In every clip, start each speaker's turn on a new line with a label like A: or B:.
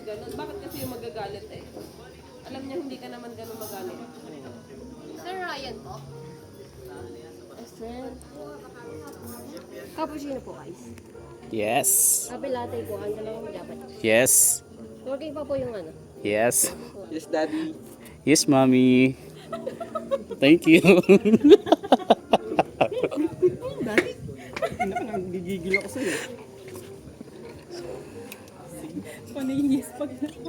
A: ganun. Bakit kasi yung magagalit eh? Alam niya hindi ka naman ganun magalit. Sir Ryan po? Sir. Cappuccino po, guys.
B: Yes.
A: Kape latte po, ang dalawang dapat.
B: Yes.
A: Working pa po yung ano.
B: Yes.
C: Yes, Daddy.
B: Yes, mommy. Thank you.
C: Daddy? Nagigigil ako sa'yo.
D: Panainis pag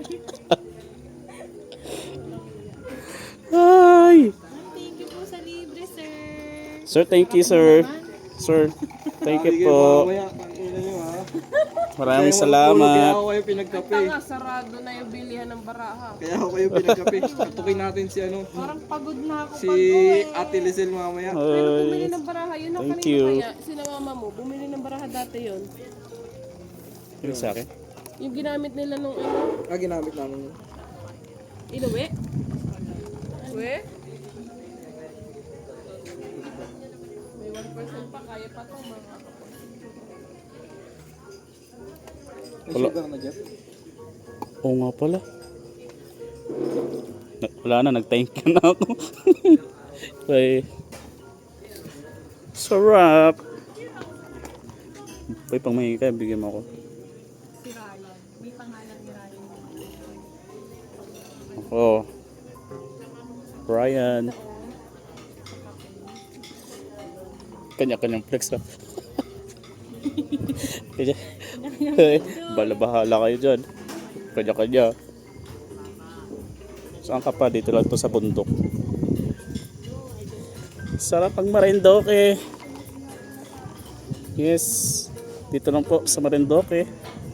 B: Hi.
D: Thank you po sa libre, sir.
B: Sir, thank you, sir. Sir, thank you po.
C: Mamaya, pangina nyo ha.
B: Maraming
C: Kaya
B: salamat.
C: ako kayo pinagkape.
A: Tanga, sarado na yung bilihan ng baraha.
C: Kaya ako kayo pinagkape. Tutukin natin si ano.
A: Parang pagod na ako
C: Si
A: pag-uwi.
C: Ate Lizelle mamaya.
A: Pero
B: Hi.
A: bumili ng baraha, yun ang
B: Thank
A: kanina
B: you.
A: kaya. Sina mama mo, bumili ng baraha dati yun.
B: Yung sa akin?
A: Yung ginamit nila nung ano,
C: Ginamit namin yun.
A: inuwi. Uwi? May 1% pa, kaya pa to mga kapatid.
C: May
B: Wala.
C: sugar na, Jeff.
B: Oo nga pala. Wala na, nag-thank you na ako. Ay. Sarap. Uy, pang mahingi ka, bigyan mo ako.
D: Si Ryan. May pangalan ni Ryan.
B: Ako. Ryan. Kanya-kanyang flex ha. Bala-bahala kayo dyan. Kanya-kanya. Saan ka pa? Dito lang to sa bundok. Sarap ang Marindoque. Yes. Dito lang po sa Marindoque.